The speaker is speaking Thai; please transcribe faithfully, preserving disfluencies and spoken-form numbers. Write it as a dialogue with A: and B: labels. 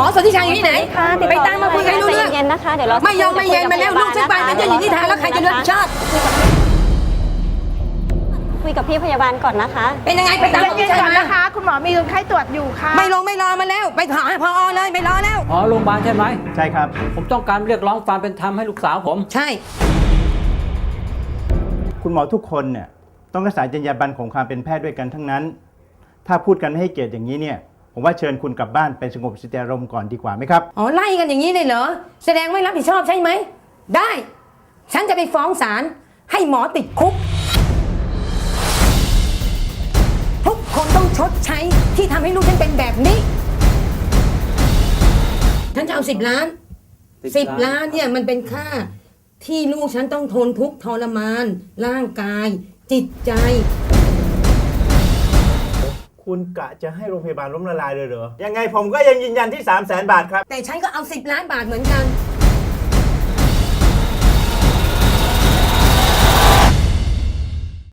A: อสนธิชัยอยู่ที่ไหนไปตามมาคุยกันรู้เรื่อง
B: เย็นนะคะเดี๋ยวเรา
A: ไม่ยอมไม่เย็นมาแล้วลูกฉันไปเป็นเจ้าหญิงนิทราแล้วใครจะรับผิดชอบ
B: คุยกับพี่พยาบาลก่อนนะคะ
A: เป็นยังไงไปตามสนธิ
C: เย็น
A: ชัย
C: ๆก่อน
A: มา
C: นะคะ คุณหมอมีคนไข้ตรวจอยู่ค่ะ
A: ไม่ลงไม่รอมาแล้วไปถามพอเลยไม่รอแล้ว
D: อ๋อโรงพยาบาลใช่ไหม
E: ใช่ครับ
D: ผมต้องการเรียกร้องความเป็นธรรมให้ลูกสาวผม
A: ใช่
E: คุณหมอทุกคนเนี่ยต้องรักษาจรรยาบรรณของความเป็นแพทย์ด้วยกันทั้งนั้น ถ้าพูดกันไม่ให้เกียรติอย่างนี้เนี่ยผมว่าเชิญคุณกลับบ้านไปสงบสติอารมณ์ก่อนดีกว่าไหมครับ
A: อ๋อไล่กันอย่างนี้เลยเหรอแสดงไม่รับผิดชอบใช่ไหมได้ฉันจะไปฟ้องศาลให้หมอติดคุกทุกคนต้องชดใช้ที่ทำให้ลูกฉันเป็นแบบนี้ฉันจะเอาสิบล้านสิบล้านเนี่ยมันเป็นค่าที่ลูกฉันต้องทนทุกข์ทรมาน ร่างกาย จิตใจ
E: คุณกะจะให้โรงพยาบาลล้มละลายเลยเหรอยังไงผมก็ยังยืนยันที่ สามแสน บาทครับ
A: แต่ฉันก็เอาสิบล้านบาทเหมือนกัน